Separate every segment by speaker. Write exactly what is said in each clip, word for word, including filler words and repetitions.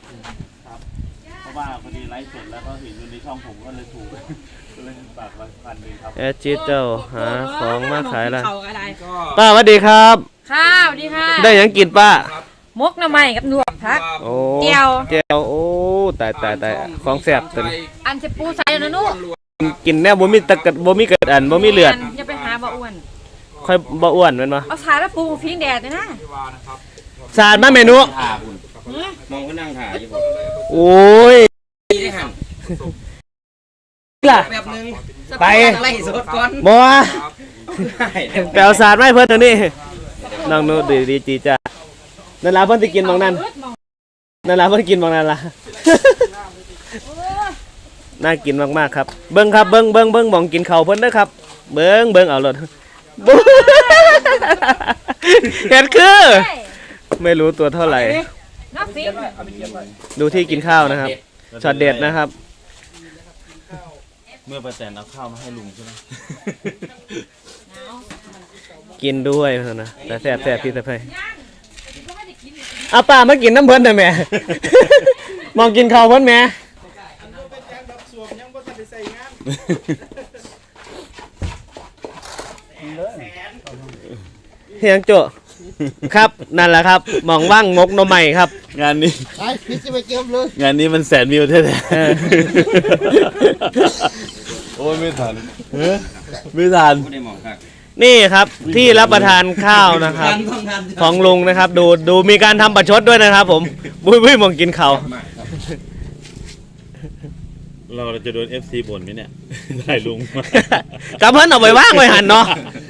Speaker 1: ครับเพราะว่าพอดีไลฟ์สดแล้วก็เห็นอยู่ในช่องผมก็เลยถูกก็เลยฝากไว้พันหนึ่งครับ
Speaker 2: แอดจิตเจ้าหาของมาขายละ
Speaker 3: อะไร
Speaker 2: ป้าสวัสดีครับ
Speaker 3: ข้าวดีค่ะ
Speaker 2: ได้ยังกินป้าม
Speaker 3: กหน่อไม้กับหนวดพัก
Speaker 2: โอ้
Speaker 3: เจียว
Speaker 2: เจียวโอ้ตายตายตายของแซ่บตัวนี้
Speaker 3: อันจะปูใส่นะนุ๊ก
Speaker 2: กินแน่บ่มีตะกัดบ่มีกระอันบ่มีเลือด
Speaker 3: อย่าไปหาบ่อ้วน
Speaker 2: ค่อยบ่อ้วนแม่นบ่
Speaker 3: เอาสายแล้วปูฟิ้งแดดเลยนะ
Speaker 2: สาดมาเมนู
Speaker 4: ถ่าคุณมองก็นั่งถ่าอยู่ผม
Speaker 2: โอ้ย
Speaker 4: ได้หัน
Speaker 2: ล่ะ
Speaker 4: แบบนึง
Speaker 2: ไป
Speaker 4: ไล่สดก่อน
Speaker 2: บ่แปลวสาดมาให้เพิ่นตัวนี้น้องนูดีดีจีจ้านั่นล่ะเพิ่นสิกินบางนั้นนั่นล่ะเพิ่นกินบางนั้นล่ะ น่ากินมากๆครับเบิ้งครับเบิ้งเบิ้งเบิ้งมองกินเข่าเพิ่นเด้อครับเบิ้งเบิ้งเอารถเห็นคือไม่รู้ตัวเท่าไหร่
Speaker 3: นับฟิ้ง
Speaker 2: ดูที่กินข้าวนะครับช็อตเด็ดนะครับ
Speaker 1: เมื่อประแตนเอาข้าวมาให้ลุงใช่ไหม
Speaker 2: กินด้วยเพิ่นนะแต่แซ่บแซ่บพี่สะเพยเอาป้ามากินน้ำเพิ่นหน่อยแม่ มองกินข้าวเพิ่นแม่เฮียงโจครับนั่นแหละครับมองว่างงกหน่อไม้ครับ
Speaker 1: งานนี้
Speaker 5: ไอ้พี่จะไปเก็บเลย
Speaker 1: งานนี้มันแสนวิวแท้ๆโอ้ยไม่ทันไม่ทัน
Speaker 4: ไม่ได้มองครับ
Speaker 2: นี่ครับที่รับประทานข้าวนะครับ ของลุงนะครับ ดูดูมีการทำประชดด้วยนะครับ ผมบุ้ยบุ้ยมองกินข้าว
Speaker 1: เราจะโดน เอฟ ซี บ่นไหมเนี่ยได้ลุงมา
Speaker 2: กับเพิ่นเอาไปว่างไว้หันเนาะ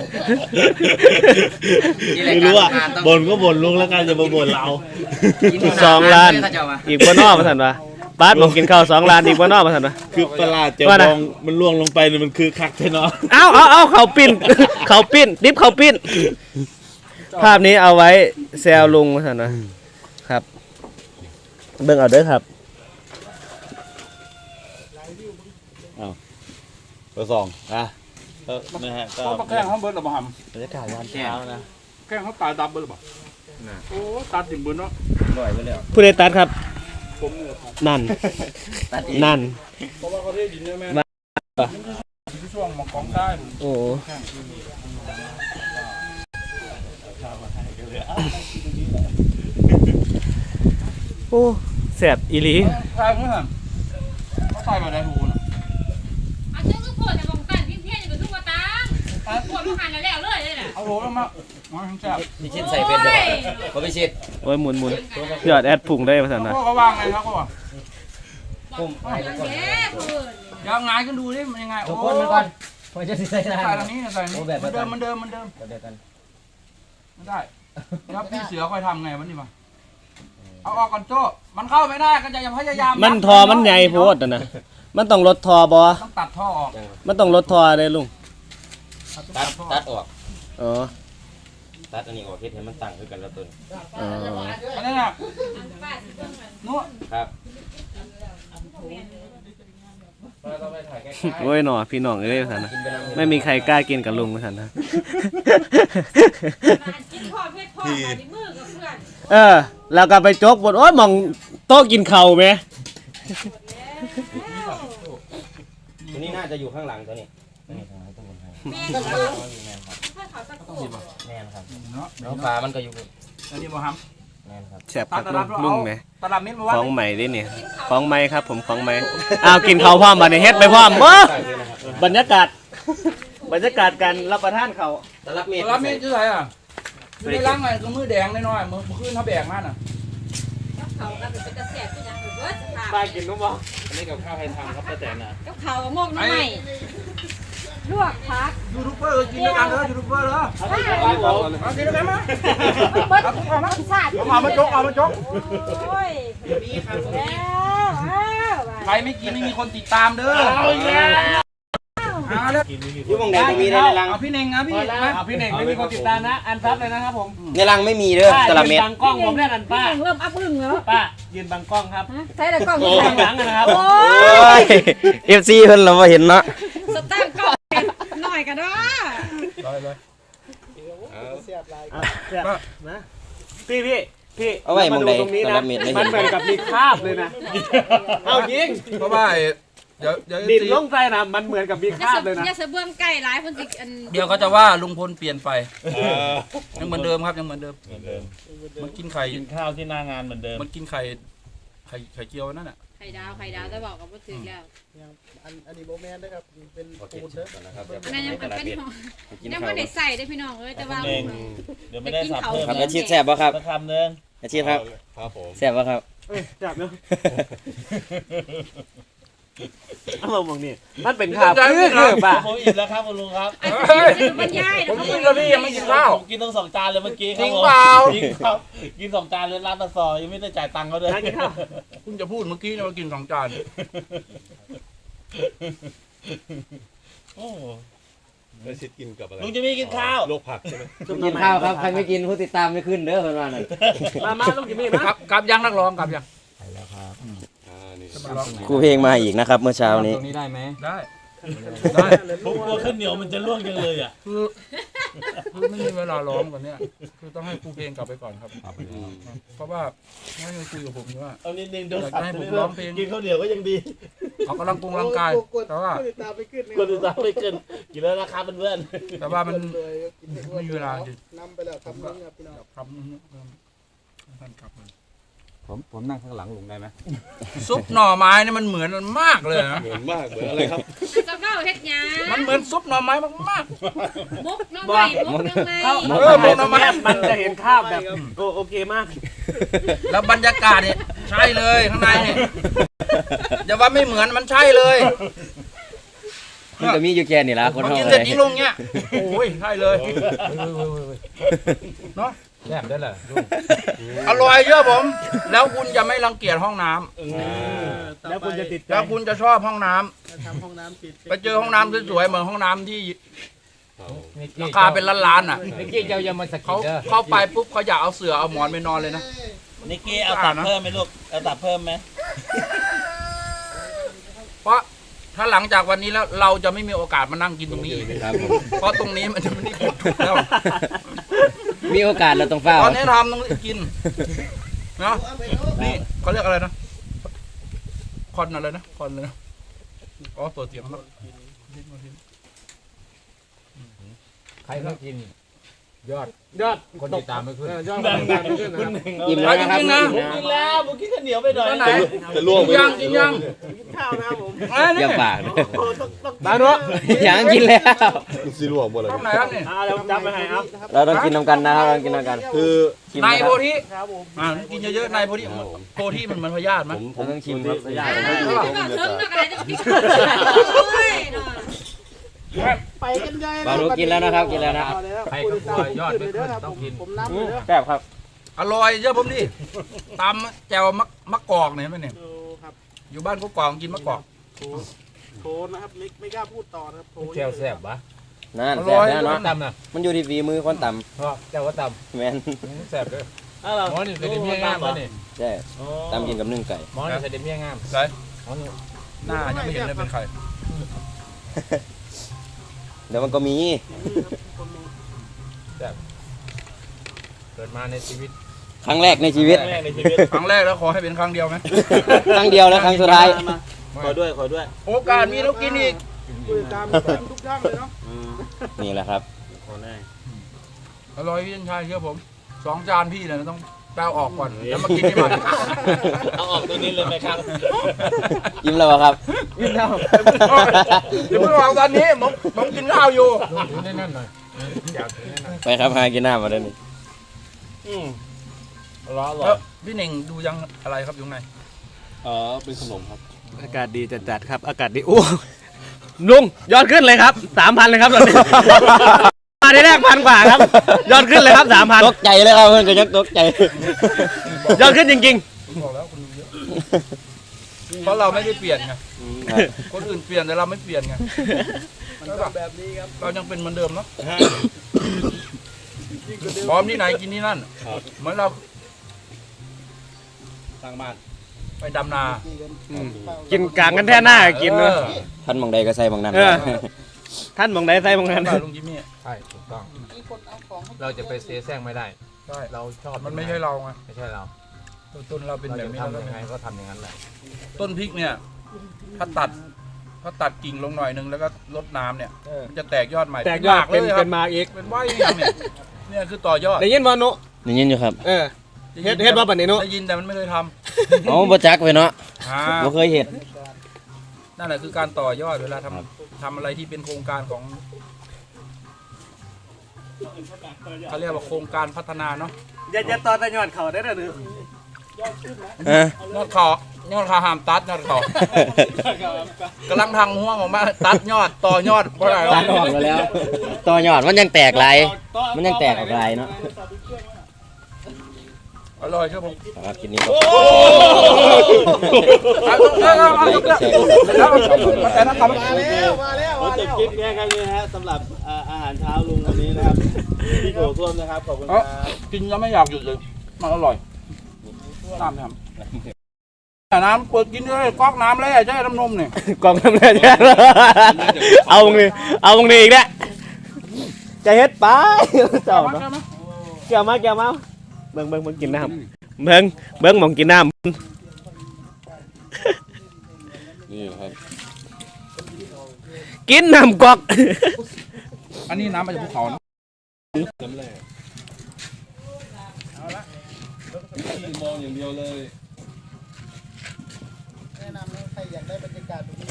Speaker 1: ไม่รู้อ่ะบ่นก็บ่นลุงแล้วกันจะมาบ่นเรา
Speaker 2: สองล้านอีกบ่นอกมาสั่นวะป้าดมองกินข้าวสองล้านอีกบ่นอกมาสั่นวะ
Speaker 1: คือประหลาดจะมองมันล่วงลงไปเนี่ยมันคือคักใช่เนาะ
Speaker 2: เอาเอาเอาเขาปิ้น เขาปิ้นดิบเขาปิ้นภาพนี้เอาไว้แซวลุงมาสั่นวะครับเบิ่งเอาเด้อครับ
Speaker 1: เบอร์สองนะก็นะฮะก็
Speaker 5: เขาแกล้งเขาเบิร์ดหรือเปล่า
Speaker 1: บรรยากาศยามเช้านะ
Speaker 5: แกล้งเขาตายดับเบิร์ดหรือเปล่าโอ้ตัดดิ่มเบิร์ดเนาะ
Speaker 4: ลอยไปแล้ว
Speaker 2: ผู้ใดตัดครับ
Speaker 5: ผมเนี่ยครับ
Speaker 2: นั่น
Speaker 4: ตัดอีก
Speaker 2: นั่น
Speaker 5: เพราะว่าเขาได้ดินเนี่ยแม่ที่ช่วงมากองได้
Speaker 2: โอ้โหโอ้แสบอีหลี
Speaker 5: ใช่ไหมฮะเขาใส่มาได้หูนะ
Speaker 3: อันนี้ก็ปวดแต่บางตันที่เที่ยงอยู่ทุกวันตาปวดทุกหันแล้วเลยเลยน่ะ
Speaker 5: เอาโหแล้วมามาทั้งแซ่บ
Speaker 4: พี่ชิดใส่เป็นเดี๋ยวพอพี่ชิด
Speaker 2: โอ้ยหมุนหมุนยอดแอดพุ่งได้ภาษาหน่อย
Speaker 5: พวกเขาวางไงครับเขาว่า
Speaker 4: ปุ่มให้ทุกคน
Speaker 3: เย้คุณ
Speaker 5: ยังไงกันดูดิมันยังไง
Speaker 4: ทุ
Speaker 5: โอ้
Speaker 4: กคนมันก่อนพอจะใส่ได้
Speaker 5: ใส่ตรงนี้ใส่นี้มันเดิมมันเดิมมันเดิม
Speaker 4: เดี๋ยวกัน
Speaker 5: ไม่ได้แล้วพี่เสือค่อยทำไงวันนี้มาเอาออกก่อนโจ้มันเข้าไม่ได้ก็จะพยายาม
Speaker 2: มันทอมันใหญ่โพดอะนะมันต้องลดทอบอ
Speaker 5: ต้องตัดท่อออก
Speaker 2: มันต้องลดทอเลยลุง
Speaker 4: ตัดตัดออก
Speaker 2: อ๋อ
Speaker 4: ตัดอันนี้ออกเฮ็ดให้มันตั้งคือกันแล้วตัว
Speaker 2: อ๋อ
Speaker 5: อันนี้น่ะนู้
Speaker 4: ครับ
Speaker 2: โอ้ยหนอพี่น้องเอ้ยภาษาหน่อยไม่มีใครกล้ากินกับลุงภาษาหน่อย
Speaker 3: กินพ่อเพชรพ่อมาในมือกับเพื่อน
Speaker 2: เออแล้วก็ไปจกบนโอ้ยมองโต๊ะกินเข่าวไหม
Speaker 4: ตัวนี้น่าจะอยู่ข้างหลังตัวนี้ตัวนี้ข้างหลังตัวบนให้
Speaker 3: แม่เขาถ้าเขาสักตัว
Speaker 4: แน่นครับ
Speaker 5: เนาะ
Speaker 4: น้องฟ้ามันก็อยู่
Speaker 5: อันนี้บ่ฮัม
Speaker 4: แน่นครับ
Speaker 2: แซ่บครับลุงลุงไหม
Speaker 5: ตลาดมิตรมาว่า
Speaker 2: ของใหม่ดิเนี่ยของใหม่ครับผมของใหม่อ้าวกินข้าวพร้อมมาในเฮ็ดไปพร้อมเบ้อบรรยากาศ บรรยากาศการรับประทานเขาว
Speaker 4: ตลับเมตร
Speaker 5: ตลาดมิตรชื่ออะไรอ่ะอยู่ในร่างไงคือมือแดงน้อยๆมือขึ้นเขาแบกมากน่ะ
Speaker 3: กับเขาก็เป็นกระแสที่ยังอยู่เบิร์ดสภาพ
Speaker 2: ป้ากินรู้ป่ะ
Speaker 1: อันนี้กับข้าวใครทำครับป้าแตนนะ
Speaker 3: กับเขากับมกหน่อไม้ลวกพัก
Speaker 5: ยูทูบเบอร์กินด้วยกันเด้อยูทูบเบอร์เด้อ
Speaker 3: ว้าว
Speaker 5: มากินด้วยกันมั้ย
Speaker 3: เบิร์ดเอามาชาติ
Speaker 5: เอามาจกเอามาจก
Speaker 3: โอ้ยแล้วอ้าว
Speaker 5: ใครไม่กินไม่มีคนติดตามเด้อหาเด้อ
Speaker 4: อยู่วงไหนตรงนี้ได้ในรัง
Speaker 5: เอาพี่เน่งนะพี่
Speaker 2: เอาพี่เน่งไม่มีคนติดตามนะอันซับเลยนะครับผม
Speaker 4: ในรังไม่มีเด้อตลับเมตร
Speaker 2: บังกล้องผมแน่นันป้า
Speaker 3: เริ่มอัพอึ้งแล้ว
Speaker 2: ป้ายืนบังกล้องครับ
Speaker 3: ใช้แต่กล้อง
Speaker 2: ข้างหลังนะครับ
Speaker 3: โอ้
Speaker 4: โอ้ย เอฟซีเพิ่นเราบ่เห็นเนาะ
Speaker 3: สตาร์ทกล้องหน่อยกันเด้อ
Speaker 2: นะพี่พี่พี่
Speaker 4: เอาไว้มองใด
Speaker 2: ตรงนี้
Speaker 4: ต
Speaker 2: นะ
Speaker 4: ลับเม็ดไม่
Speaker 2: มั
Speaker 4: เห็
Speaker 2: น
Speaker 4: น
Speaker 2: เหมือนกับมีคราบเลยนะเอายิง
Speaker 5: เพราะว่าไอ้เดี๋ยวเดี๋ยว
Speaker 2: ดินลงใจนะมันเหมือนกับมีค
Speaker 3: อย่า
Speaker 2: ราบ
Speaker 3: เส
Speaker 2: เลยนะ
Speaker 3: อย่าเสเบื้องใกล้หลายคนสิอัน
Speaker 5: เดี๋ยวเขาจะว่าลุงพลเปลี่ยนไปยังเหมือนเดิมครับยังเหมือนเดิม
Speaker 1: เหมือนเดิม
Speaker 5: มันกินไข่
Speaker 1: กินข้าวที่หน้างานเหมือนเดิม
Speaker 5: มันกินไข่ไข่ไข่เจียวนั่นน่ะ
Speaker 3: ไข่ดาวไข่ดาวจะบอกกับว่าถึงแล้ว
Speaker 6: อันอันนี้โบแมนนะครับเป็นปูนเด้อ
Speaker 4: นะครับ
Speaker 3: อันนั้นยังเป็นเป็น
Speaker 4: กิน
Speaker 3: ยัง
Speaker 4: ข้าว
Speaker 3: ไม่ได้ใส่ได้พี่น้องเอ้ยแต่ว่า
Speaker 1: เองเดี๋ยวไม่ได้สับเพิ่ม
Speaker 4: ครับ
Speaker 1: นะ
Speaker 4: อาชีพแซ่บป่ะครับ
Speaker 1: สักคำหนึ่ง
Speaker 4: อาชีพครับ
Speaker 7: ครับผม
Speaker 4: แซ่บป่ะครับ
Speaker 2: เอ้ยจับเนาะเอามามองนี่มันเป็นคราบคือคือป่ะ
Speaker 1: ผมอิ่มแล้วครับคุณลุงครับ
Speaker 3: อันนี้จะบรรยาย
Speaker 5: ผม
Speaker 3: นะ
Speaker 5: กินแล้วนี่ยังไม่กินข้าว
Speaker 1: ผมกินทั้งสองจานเลยเมื่อกี้ค
Speaker 5: จริ
Speaker 1: รับ
Speaker 5: ง
Speaker 1: ผม
Speaker 5: เปล่า
Speaker 1: จริงครับกินสองจานเลยร้านปลาซอยยังไม่ได้จ่ายตังค์เขาเลย
Speaker 2: นั่นครับ
Speaker 5: คุณจะพูดเมื่อกี้เนี่ยว่ากินสองจาน
Speaker 1: โอ้
Speaker 7: แล้วชิดกินกับอะไร
Speaker 1: ลุงจะไม่กินข้าว
Speaker 7: โรคผักใช่ไหม
Speaker 4: กินข้าวครับใครไม่กินผู้ติดตามไม่ขึ้นเด้อเพิ่นว่านั่น
Speaker 2: มามาลูกจิมมี่มา
Speaker 5: ครับกลับยังนักร้องกลับยัง
Speaker 7: อ่านี่
Speaker 5: มาร้อง
Speaker 4: ครูเพลงมาอีกนะครับ เมื่อเช้านี้
Speaker 5: ตรงนี้ได้ไหมได้ได้
Speaker 1: ผมกลัวข้าวเหนียวมันจะล่วงจังเลยอ่ะ
Speaker 5: คือคือไม่มีเวลาร้องกันเนี่ยคือต้องให้ครูเพลงกลับไปก่อนครับ เพราะว่าไม่ได้คุยกับผมอยู่ว่า
Speaker 1: เอานิดนึงเดี๋ยว
Speaker 5: อยากจะให้ผมร้องเพลง
Speaker 1: กินข้าวเหนียวก็ยังดี
Speaker 5: เขากำลังกงร่างกายแต่ว่า
Speaker 6: ติดตามไปขึ้น
Speaker 1: คนอื่นตามไม่เกินกินแล้วราคาเป็นเพื่อน
Speaker 5: แต่ว่ามัน
Speaker 6: เลยกินให้อ้วน
Speaker 5: ไม่มีเวลาจริง
Speaker 6: นำไปแล้วทำนึงครับพี่น้อง
Speaker 5: ทำท่านกลับมา
Speaker 7: ผมผมนั่งข้างหลังลุงได้ไหม
Speaker 5: ซุปหน่อไม้เนี่ยมันเหมือนมันมากเลยนะ
Speaker 7: เหมือนมากเหมือนอะไรครับ
Speaker 3: จะเข้าเฮ็ดหยัง
Speaker 5: มันเหมือนซุปหน่อไม้มาก
Speaker 3: มุกน้องใหม่มุกน้องใหม่
Speaker 2: เข้า
Speaker 5: เออมองทำไม
Speaker 2: มันจะเห็นคราบแบบโอโอเคมาก
Speaker 5: ๆแล้วบรรยากาศเนี่ยใช่เลยข้างในเนี่ยอย่าว่าไม่เหมือนมันใช่เลย
Speaker 4: มันจะมีอยู่แค่นี่ละคน
Speaker 5: พอ
Speaker 4: เฮา
Speaker 5: กิน
Speaker 4: อะ
Speaker 5: เส
Speaker 4: ไร
Speaker 5: ร็จยิงลงเนี่ยโอ้ยใช่เลยเนาะ
Speaker 8: แซ่บได้เหรอลุง
Speaker 5: อร่อยเยอะผม แล้วคุณจะไม่รังเกียจห้องน้ำ
Speaker 2: แล้วคุณจะติดใจ
Speaker 5: แล้วคุณจะชอบห้องน้ำ
Speaker 6: ทำห้องน้ำปิด
Speaker 5: ไปเจอห้องน้ำสวยๆเหมือนห้องน้ำที่
Speaker 8: นิกกี้
Speaker 5: ราคาเป็นล้านๆอ่ะ
Speaker 8: นิกกี้เจ้าอย่ามาสะกิ
Speaker 5: เขา
Speaker 8: ดเด้อ
Speaker 5: เข้าไปปุ๊บเขาอยากเอาเสือเอาหมอนไปนอนเลยนะ
Speaker 1: นิกกี้เอาตับเพิ่มไหมลูกเอาตับเพิ่มไหม
Speaker 5: เพราะถ้าหลังจากวันนี้แล้วเราจะไม่มีโอกาสมานั่งกินตรงนี้อีก
Speaker 4: ครับผม
Speaker 5: เพราะตรงนี้มันจะไม่ได้หมดทุกแล้ว
Speaker 4: มีโอกาสเราต้องเฝ้า
Speaker 5: ตอนนี้ทำต้องกินเนาะนี่เขาเรียกอะไรนะคอนอะไรนะคอนเลยนะอ๋อตัวเสียงนะ
Speaker 8: ใครไม่กิน ยอด
Speaker 2: ยอด
Speaker 8: คนติดตามไม่ขึ้น
Speaker 2: เออยอดคนติดตามไม่ขึ้นนะครับ
Speaker 4: อิ่มแล้วนะครับ
Speaker 5: จริงๆนะ
Speaker 1: ผมกินแล้วผมกินข้าวเหนียวไปหน่อย
Speaker 5: ตอนไหน
Speaker 7: จะล่วงไป
Speaker 5: ยังกินยัง
Speaker 2: ข้าวนะครับผม
Speaker 5: เอ้ย
Speaker 4: อ
Speaker 5: นี่
Speaker 4: ย่าปากนะ
Speaker 2: บานุ
Speaker 4: ยังกินแล้ว
Speaker 7: สิล่วงหมดเลย
Speaker 5: ห้องไหนครับนี่
Speaker 2: เอาเดี๋ยวผมจำไปให้ครับ
Speaker 4: เราต้องกินน้ำกันนะครับเราต้องกินน้ำกัน
Speaker 7: คือ
Speaker 4: ชิม
Speaker 5: ใน
Speaker 4: นะค
Speaker 5: โพ
Speaker 4: รับ
Speaker 5: ธิ
Speaker 2: ครับผม
Speaker 5: อ่ากินเยอะๆในโพธิโพธิมันเหมือนพยาธิไหม
Speaker 7: ผมผ
Speaker 4: เรา
Speaker 7: ม
Speaker 4: ต้องชิมครับ
Speaker 2: ยา
Speaker 3: อ่า
Speaker 2: ผม
Speaker 3: เอ
Speaker 2: ไม่
Speaker 3: อ
Speaker 2: ดู
Speaker 3: เถิงเนาะอะไรจะกินโอ้ยเนาะ
Speaker 6: ไปกันใหญ่
Speaker 4: บารุกินแล้วนะครับกินแล้วนะ
Speaker 8: ใครก็กลัวยอดไม่ขึ้นต้องกิน
Speaker 6: ผมน้ำเลยเด้อ
Speaker 4: แซ่บครับ
Speaker 5: อร่อยเยอะผมดิตำแจ่วมะมะกอกเนี่ยเห็นไหมเนี่ย
Speaker 6: โอ้ครับ
Speaker 5: อยู่บ้านก็กอกกินมะกอก
Speaker 6: โถนะครับไม่ไม่กล้าพูดต่อนะครับโถ
Speaker 8: แก้วแซ่บปะ
Speaker 4: นั่นแซ่บแน่นอน
Speaker 8: ตำนะ
Speaker 4: มันอยู่ที่ฝีมือคนต่
Speaker 8: เพราะแก้วว่าต
Speaker 4: ำแมน
Speaker 8: ำแซ่บเลย
Speaker 2: เอาเหรอ
Speaker 8: หมอนี่ใส่เดเมียงามวะนี่
Speaker 4: ใช่ตำกินกับนึ่งไก่
Speaker 8: หมอนี่ใส่เดเมียงาม
Speaker 5: ใช่
Speaker 8: หมอนี่
Speaker 5: หน้ายังไม่เห็นเลยเป็นใคร
Speaker 4: เดี๋ยวมันก็มี
Speaker 8: เกิดมาในชีวิต
Speaker 4: ครั้งแรกในชีวิต
Speaker 1: แรกในชีวิต
Speaker 5: ครั้งแรกแล้วขอให้เป็นครั้งเดียวไหม
Speaker 4: ครั้งเดียวและครั้งสุดท้าย
Speaker 1: มาขอด้วยขอด้วย
Speaker 5: โอกาสมีแล้วกินอีก
Speaker 6: คุยตามทุกช่องเลยเนาะ
Speaker 4: นี่แหละครับ
Speaker 1: ขอได้
Speaker 5: อร่อยพี่ชายเชื่อผมสองจานพี่เนี่ยต้องแปลออกก่อนแล้วมากินที่บ้าน
Speaker 1: เอาออกตัวนี้เลยไหมครับ
Speaker 4: ยิ้มแล้วเหรอครับ
Speaker 2: กินแล้ว
Speaker 5: เดี๋ยวเพิ่งออกตอนนี้ผมผมกินข้าวอยู่
Speaker 8: ลุงถือแน่นๆหน่อยอยากถือแน่น
Speaker 4: ไปครับหากินน้ำมาเดี๋ยวนี้
Speaker 1: อืมร้อนหรอ
Speaker 5: แล้วพี่เน่งดูยังอะไรครับอยู่ไหน
Speaker 7: เออเป็นขนมครับ
Speaker 2: อากาศดีจัดๆครับ อากาศดีโอ้ลุงยอดขึ้นเลยครับสามพันเลยครับตอนนี้ มาได้แรกพันกว่าครับ ยอดขึ้นเลยครับสามพัน
Speaker 4: ตกใจเลยครับเพื่อนก็ยังตกใจ
Speaker 2: ยอดขึ้นจริง
Speaker 5: ผมบอกแล้วคุณดูเยอะเพราะเราไม่ได้เปลี่ยนไงคนอื่นเปลี่ยนแต่เราไม่เปลี่ยนไง
Speaker 6: มันต้องแบบนี้ครับ
Speaker 5: เรายังเป็นเหมือนเดิมเนาะพร้อมที่ไหนกินที่นั่นเหมือนเรา
Speaker 1: สร้างบ้าน
Speaker 5: ไปดำนา
Speaker 2: ๆ กินกลางกันแท่หน้ากินเนอะ
Speaker 5: ออ
Speaker 4: ท่านมองใดก็ใส่มองนั้น
Speaker 2: เออ ท่านมองไหนใส่มองนั้น
Speaker 5: บ้านลุงจิมมี่
Speaker 8: ๆใช่ถูกต้อง
Speaker 6: มีคนเอาของ
Speaker 8: เราจะไปเสียแซงไม่ได้
Speaker 5: ใช่
Speaker 8: เราชอบ
Speaker 5: มันไม่ใช่เราไง
Speaker 8: ไม่ใช่เรา
Speaker 5: ต้นต้นเราเป็น
Speaker 8: เรา
Speaker 5: แบ
Speaker 8: จะ
Speaker 5: บนี้
Speaker 8: ทำ
Speaker 5: แล้ว
Speaker 8: ยังไงก็ทำอย่างนั้นแหละ
Speaker 5: ต้นพริกเนี่ย ถ้าตัด ถ้าตัดกิ่งลงหน่อยนึงแล้วก็ลดน้ำเนี่ย
Speaker 2: เออ
Speaker 5: มันจะแตกยอดใหม่
Speaker 2: แตกยอด
Speaker 5: หากเล
Speaker 2: เป็น
Speaker 5: ยค
Speaker 2: เป็
Speaker 5: รับ
Speaker 2: นมาอีก
Speaker 5: เป็นว่ายอย่างเนี่ยเนี่ยคือต่อยอด
Speaker 2: ได้ยินบ่นุ
Speaker 4: ได้ยินอยู่ครับ
Speaker 2: เออเฮ็ดเฮ็ดบ่บัดนี้นุ
Speaker 5: ได้ยินแต่มันไม่เคยท
Speaker 4: อ๋อบ่จักไว้เนาะ
Speaker 5: ำอ่า
Speaker 4: บ่เคยเห็น
Speaker 5: นั่นแหละคือการต่อยอดเวลาทำทำอะไรที่เป็นโครงการของเขาเรียกว่าโครงการพัฒนาเนาะ
Speaker 2: อย่าอย่าตอนแต่ยอดเขาได้เด้อหนู
Speaker 4: เออย
Speaker 5: อดขอยอดขาหามตัดยอดขอกำลังทางห่วงออกมาตัดยอดต่อยอดเพราะอะไร
Speaker 4: ตัดออกมาแล้ว ต่อยอดมันยังแตกหลายมันยังแตกออกหลายเนาะ
Speaker 5: อร่อยครับผม
Speaker 4: ครับคลิปนี้ก็
Speaker 5: เอายกเลิกเอาเอายกเลิกแล้วแต่นะครับ
Speaker 6: มาแล้วมาแล้ว
Speaker 1: ผม
Speaker 6: มา
Speaker 1: จ
Speaker 6: แล้
Speaker 1: บ
Speaker 6: ว
Speaker 1: คลิปแค่แค่นี้นะฮะสำหรับอ่าอาหารเช้าลุงวันนี้นะครับพี่โถส้วมนะครับขอบคุณครับ
Speaker 5: กินแล้วไม่อยากหยุดเลยมันอร่อยน้ำทำน้ำเปิดกินเลยก๊อกน้ำเลยใช่น้ำนมเนี่ย
Speaker 2: กล่องทำได้แท้เอาตรงนี้เอาตรงนี้อีกแล้วจะเฮ็ดไปเจ้าเนาะแก้วมาแก้วมาเบิ่งเบิ่งเบิ่งกินน้ำเบิ่งเบิ่งหมองกินน้
Speaker 7: นี่ครับ
Speaker 2: ำกินน้ำก๊อก
Speaker 5: อันนี้น้ำมาจากภูเขานะ
Speaker 7: น้ำแร่มองอย่างเดียวเลย
Speaker 6: แนะนำให้ใครอยากได้บรรยากาศแบบนี้